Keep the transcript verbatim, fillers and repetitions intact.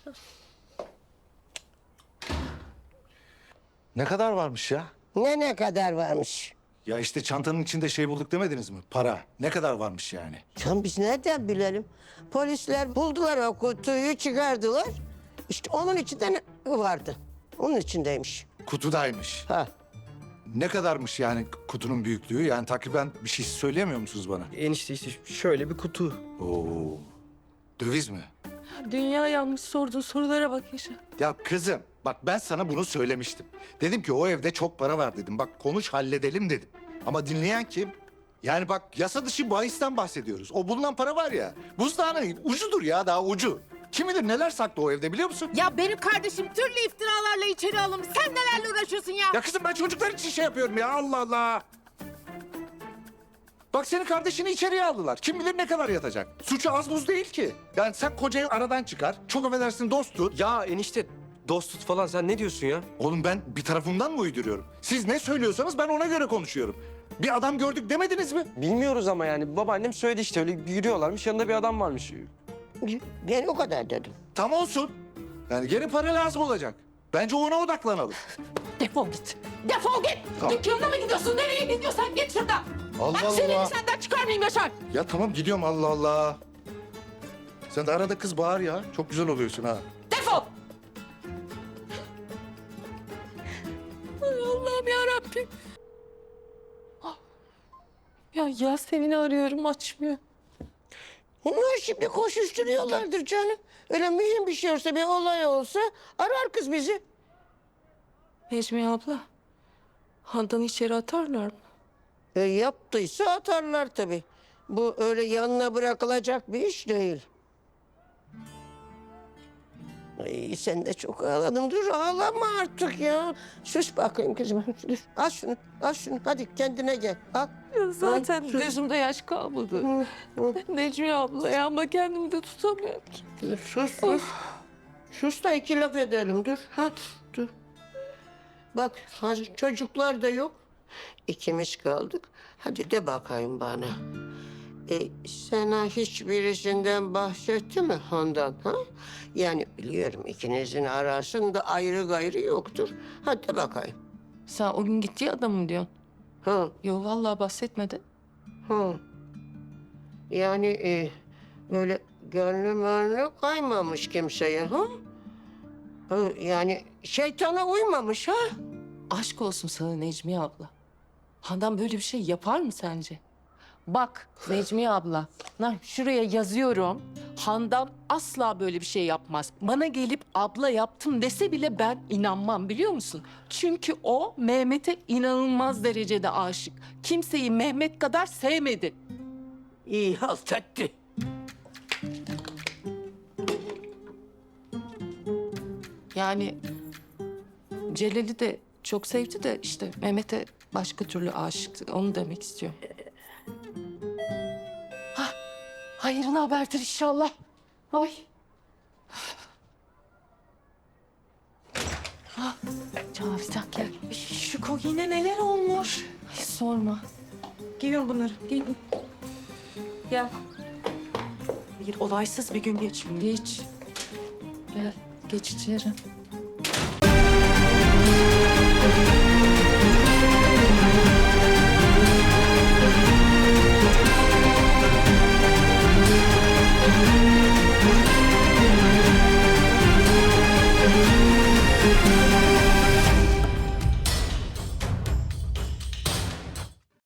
Ne kadar varmış ya? Ne ne kadar varmış? Ya işte çantanın içinde şey bulduk demediniz mi? Para. Ne kadar varmış yani? Can biz nereden bilelim? Polisler buldular o kutuyu, çıkardılar. İşte onun içinde ne vardı? Onun içindeymiş. Kutudaymış. Ha. Ne kadarmış yani kutunun büyüklüğü? Yani takriben bir şey söyleyemiyor musunuz bana? Enişte işte şöyle bir kutu. Oo. Döviz mi? Dünya yanmış sorduğun sorulara bak Yaşar. Ya kızım bak ben sana bunu söylemiştim. Dedim ki o evde çok para var dedim. Bak konuş halledelim dedim. Ama dinleyen kim? Yani bak yasa dışı bahisten bahsediyoruz. O bulunan para var ya buzdağının ucudur ya daha ucu. Kim bilir neler saklı o evde biliyor musun? Ya benim kardeşim türlü iftiralarla içeri alınmış. Sen nelerle uğraşıyorsun ya? Ya kızım ben çocuklar için şey yapıyorum ya Allah Allah. Bak senin kardeşini içeriye aldılar. Kim bilir ne kadar yatacak. Suçu az buz değil ki. Yani sen kocayı aradan çıkar. Çok affedersin dost tut. Ya enişte dost tut falan sen ne diyorsun ya? Oğlum ben bir tarafımdan mı uyduruyorum? Siz ne söylüyorsanız ben ona göre konuşuyorum. Bir adam gördük demediniz mi? Bilmiyoruz ama yani babaannem söyledi işte öyle yürüyorlarmış yanında bir adam varmış. Ben o kadar dedim. Tam olsun. Yani geri para lazım olacak. Bence ona odaklanalım. Defol git. Defol git. Tamam. Dükkanına mı gidiyorsun? Nereye gidiyorsan git şuradan. Allah Bak Allah. seni senden çıkarmayayım Yaşar. Ya tamam gidiyorum Allah Allah. Sen de arada kız bağır ya. Çok güzel oluyorsun ha. Defol. Ay Allah'ım yarabbim. Ah. Ya Yasemin'i arıyorum açmıyor. Onlar şimdi koşuşturuyorlardır canım. Öyle mühim bir şey olsa, bir olay olsa arar kız bizi. Necmiye abla. Handan'ı içeri atarlar mı? E, yaptıysa atarlar tabii. Bu öyle yanına bırakılacak bir iş değil. Ay, sen de çok ağladın. Dur ağlama artık ya. Sus bakayım kızım. Dur. Al şunu, al şunu. Hadi kendine gel. Al. Ya zaten Ay, sus. gözümde yaş kalmadı. Necmiye abla ya ama kendimi de tutamıyorum ki. Dur, sus, sus. Sus da iki laf edelim. Dur, hadi, dur. Bak, hazır çocuklar da yok. İkimiz kaldık. Hadi de bakayım bana. E, sana hiçbirisinden bahsetti mi Handan? Ha? Yani biliyorum ikinizin arasında ayrı gayrı yoktur. Hadi de bakayım. Sen o gün gittiği adam mı diyorsun? Ha, Yo vallahi bahsetmedi. ha. Yani e, böyle gönlü mönlü kaymamış kimseye. Ha? Ha, yani şeytana uymamış ha? Aşk olsun sana Necmiye abla. Handan böyle bir şey yapar mı sence? Bak Necmiye abla, lan şuraya yazıyorum. Handan asla böyle bir şey yapmaz. Bana gelip abla yaptım dese bile ben inanmam biliyor musun? Çünkü o Mehmet'e inanılmaz derecede aşık. Kimseyi Mehmet kadar sevmedi. İyi halt etti. Yani Celal'i de çok sevdi de işte Mehmet'e başka türlü aşıktı. Onu demek istiyor. Hah, hayırlı haberdir inşallah. Ay. Ah, Cavidan gelmiş. Şu yine neler olmuş? Ay, sorma. Giyin bunları, giyin. Gel. Bir olaysız bir gün geçmiyor. Geç. Gel, geç içeri.